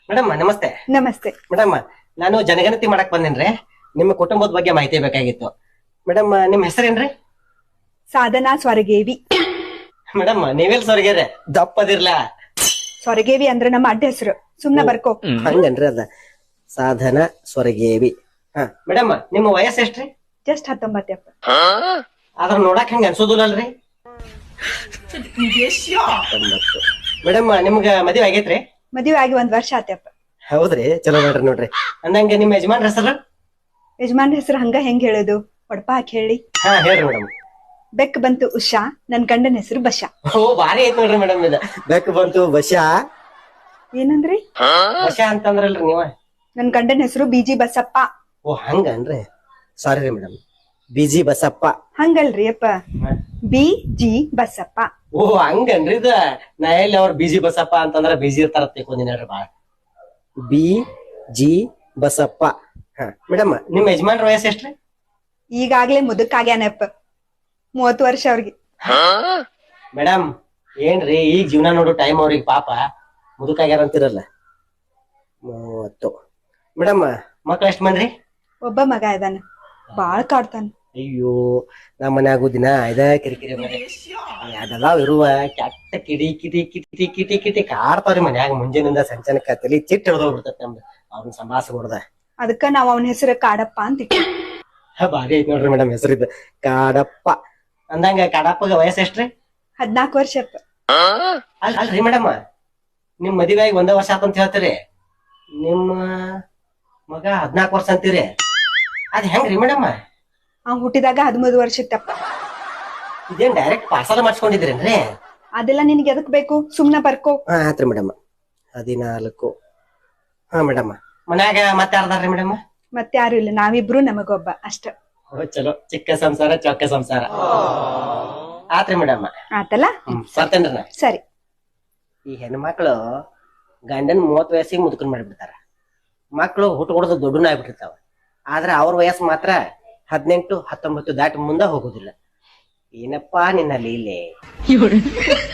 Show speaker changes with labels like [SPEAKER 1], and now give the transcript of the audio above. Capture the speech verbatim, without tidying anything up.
[SPEAKER 1] Madam ನಮಸ್ತೆ.
[SPEAKER 2] ನಮಸ್ತೆ
[SPEAKER 1] madam ನಾನು ಜನಗಣತಿ ಮಾಡಕ್ ಬಂದೇನ್ರಿ. ನಿಮ್ಮ ಕುಟುಂಬದ ಬಗ್ಗೆ ಮಾಹಿತಿ ಬೇಕಾಗಿತ್ತು. ಮೇಡಮ್ ನಿಮ್ ಹೆಸರೇನ್ರಿ?
[SPEAKER 2] ಸಾಧನಾ ಸ್ವರಗೇವಿ.
[SPEAKER 1] ಮೇಡಮ್ ನೀವೆಲ್ ಸೊರಗ್ಯಾರ ದಪ್ಪದಿರ್ಲ?
[SPEAKER 2] ಸ್ವರಗೇವಿ ಅಂದ್ರೆ ನಮ್ಮ ಅಡ್ಡ ಹೆಸರು, ಸುಮ್ನ ಬರ್ಕೋ.
[SPEAKER 1] ಹಂಗನ್ರಿ ಅದ ಸಾಧನ ಸ್ವರಗೇವಿ. ಹಾ ಮೇಡಮ್ ನಿಮ್ಮ ವಯಸ್ಸು ಎಷ್ಟ್ರಿ?
[SPEAKER 2] ಜಸ್ಟ್ ಹತ್ತೊಂಬತ್ತಪ್ಪ.
[SPEAKER 1] ಅದ್ರ ನೋಡಕ್ ಹಂಗ ಅನ್ಸೋದಿಲ್ಲಲ್ರಿ? ಮೇಡಮ್ ನಿಮ್ಗ ಮದ್ವೆ ಆಗೈತ್ರಿ?
[SPEAKER 2] ಮದುವೆ ಆಗಿ ಒಂದ್ ವರ್ಷ ಆತ್ಯಪ್ಪ.
[SPEAKER 1] ಹೌದ್ರಿ, ಚಲೋ ಮಾಡ್ರಿ ನೋಡ್ರಿ. ಅಂದಂಗ ನಿಮ್ ಯಜಮಾನ್ರ ಹೆಸರು?
[SPEAKER 2] ಯಜಮಾನ್ ಹೆಸರು ಹಂಗ ಹೆಂಗ್ ಹೇಳೋದು, ಒಡಪ ಹಾಕಿ ಹೇಳಿ.
[SPEAKER 1] ಹಾ ಹೇಳ್ರಿ ಮೇಡಮ್.
[SPEAKER 2] ಬೆಕ್ ಬಂತು ಉಷಾ, ನನ್ ಗಂಡನ ಹೆಸರು ಬಶ.
[SPEAKER 1] ಓ ಬಾರಿ ಐತ್ ನೋಡ್ರಿ ಮೇಡಮ್. ಇದ ಬೆಕ್ ಬಂತು ಬಶಾ.
[SPEAKER 2] ಏನಂದ್ರಿ?
[SPEAKER 1] ಬಶಾ ಅಂತಂದ್ರಲ್ರಿ ನೀವ?
[SPEAKER 2] ನನ್ ಗಂಡನ ಹೆಸರು ಬಿಜಿ ಬಸಪ್ಪ.
[SPEAKER 1] ಓ ಹಂಗನ್ರಿ, ಸಾರಿ ರೀ ಮೇಡಮ್. ಬಿಜಿ ಬಸಪ್ಪ.
[SPEAKER 2] ಹಂಗಲ್ರಿ ಅಪ್ಪ, ಬಿ ಜಿ ಬಸಪ್ಪ.
[SPEAKER 1] ಓ ಹಂಗನ್ರಿ ಇದ. ನಾ ಎಲ್ಲಿ ಅವ್ರ ಬಿಜಿ ಬಸಪ್ಪ ಅಂತಂದ್ರ ಬಿಜಿ ಇರ್ತಾರ ತಿಳ್ಕೊಂಡಿನ ಬಾಳ. B G Basappa. ಹಾ ಮೇಡಮ್ ನಿಮ್ ಯಜಮಾನ್ರ ವಯಸ್ಸು ಎಷ್ಟ್ರಿ?
[SPEAKER 2] ಈಗಾಗ್ಲೇ ಮುದುಕಾಗ್ಯಾನಪ್ಪ, ಮೂವತ್ತು ವರ್ಷ ಅವ್ರಿಗೆ.
[SPEAKER 1] ಮೇಡಮ್ ಏನ್ರಿ ಈಗ ಜೀವನ ನೋಡು ಟೈಮ್ ಅವ್ರಿಗೆ ಪಾಪ ಮುದುಕಾಗ್ಯಾರ ಅಂತಿರಲ್ಲ. ಮೂವತ್ತು. ಮೇಡಮ್ ಮಕ್ಳ ಎಷ್ಟ್ ಮಂದ್ರಿ?
[SPEAKER 2] ಒಬ್ಬ ಮಗ ಇದಾನ, ಬಾಳ್ ಕಾಡ್ತಾನ.
[SPEAKER 1] ಅಯ್ಯೋ ನಮ್ಮ ಮನ್ಯಾಗು ದಿನ ಇದ ಕಿರಿಕಿರಿ ಮನೆ. ಅದೆಲ್ಲ ಇರುವ ಕೆಟ್ಟ ಕಿಡಿ ಕಿಟಿ ಕಿಟಿ ಕಿಟಿ ಕಿಟಿ ಕಾಡ್ತಾವ್ರಿ ಮನ್ಯಾಗ. ಮುಂಜಾನಿಂದ ಸಂಚನಕ ತಲಿ ಚಿಟ್ಟ ಹಿಡ್ದೋಗ್ಬಿಡ್ತೈತಿ ನಮ್ದು ಅವ್ರನ್ನ ಸಂಭಾಷಗೊಡ್ದ.
[SPEAKER 2] ಅದಕ್ಕ ನಾವ್ ಅವನ ಹೆಸರು ಕಾಡಪ್ಪ ಅಂತ ಇಟ್ವಿ.
[SPEAKER 1] ಬಾರಿ ಐತ್ ನೋಡ್ರಿ ಮೇಡಮ್ ಹೆಸರಿದ್ದ ಕಾಡಪ್ಪ. ಅಂದಂಗ ಕಾಡಪ್ಪಗ ವಯಸ್ಸು ಎಷ್ಟ್ರಿ?
[SPEAKER 2] ಹದ್ನಾಲ್ಕು ವರ್ಷ ಅಪ್ಪ.
[SPEAKER 1] ಅಲ್ ಅಲ್ರಿ ಮೇಡಮ್, ನಿಮ್ ಮದುವೆ ಆಗಿ ಒಂದೇ ವರ್ಷ ಆತಂತ ಹೇಳ್ತೀರಿ, ನಿಮ್ಮ ಮಗ ಹದ್ನಾಲ್ಕು ವರ್ಷ ಅಂತೀರಿ, ಅದ್ ಹೆಂಗ್ರಿ ಮೇಡಮ್?
[SPEAKER 2] ಅವ್ ಹುಟ್ಟಿದಾಗ ಹದಿಮೂರು ವರ್ಷಕ್ಕಪ್ಪ.
[SPEAKER 1] ಇದೇನ್ ಡೈರೆಕ್ಟ್ ಪಾರ್ಸಲ್ ಮಾಡ್ಸ್ಕೊಂಡಿದ್ರೇನ್ರಿ?
[SPEAKER 2] ಅದೆಲ್ಲ ನಿನ್ಗೆ ಎದಕ್ ಬೇಕು, ಸುಮ್ನ ಬರ್ಕೋ.
[SPEAKER 1] ಹಾ ಆತ್ರಿ ಮೇಡಮ್. ಹದಿನಾಲ್ಕು. ಹಾ ಮೇಡಮ್ ಮನ್ಯಾಗ ಮತ್ತೆ ಯಾರ್ದಾರ್ರಿ ಮೇಡಮ್?
[SPEAKER 2] ಮತ್ತೆ ಯಾರು ಇಲ್ಲ, ನಾವಿಬ್ರು ನಮಗೊಬ್ಬ ಅಷ್ಟ.
[SPEAKER 1] ಓ ಚಲೋ, ಚಿಕ್ಕ ಸಂಸಾರ ಚೊಕ್ಕ ಸಂಸಾರ. ಆತ್ರಿ ಮೇಡಮ್.
[SPEAKER 2] ಆತಲ್ಲ,
[SPEAKER 1] ಹ್ಮ್ ಬರ್ತೇನ್ರಿ ನಾ.
[SPEAKER 2] ಸರಿ.
[SPEAKER 1] ಈ ಹೆಣ್ಮಕ್ಳು ಗಂಡನ್ ಮೂವತ್ ವಯಸ್ಸಿಗೆ ಮುದುಕನ್ ಮಾಡಿಬಿಡ್ತಾರ. ಮಕ್ಳು ಹುಟ್ಟು ಕೊಡೋದು ದೊಡ್ಡನ ಆಗ್ಬಿಟ್ಟಿರ್ತಾವ. ಆದ್ರೆ ಅವ್ರ ವಯಸ್ಸು ಮಾತ್ರ ಹದಿನೆಂಟು ಹತ್ತೊಂಬತ್ತು ದಾಟಿ ಮುಂದೆ ಹೋಗುದಿಲ್ಲ. ಏನಪ್ಪಾ ನಿನ್ನ ಲೀಲೆ.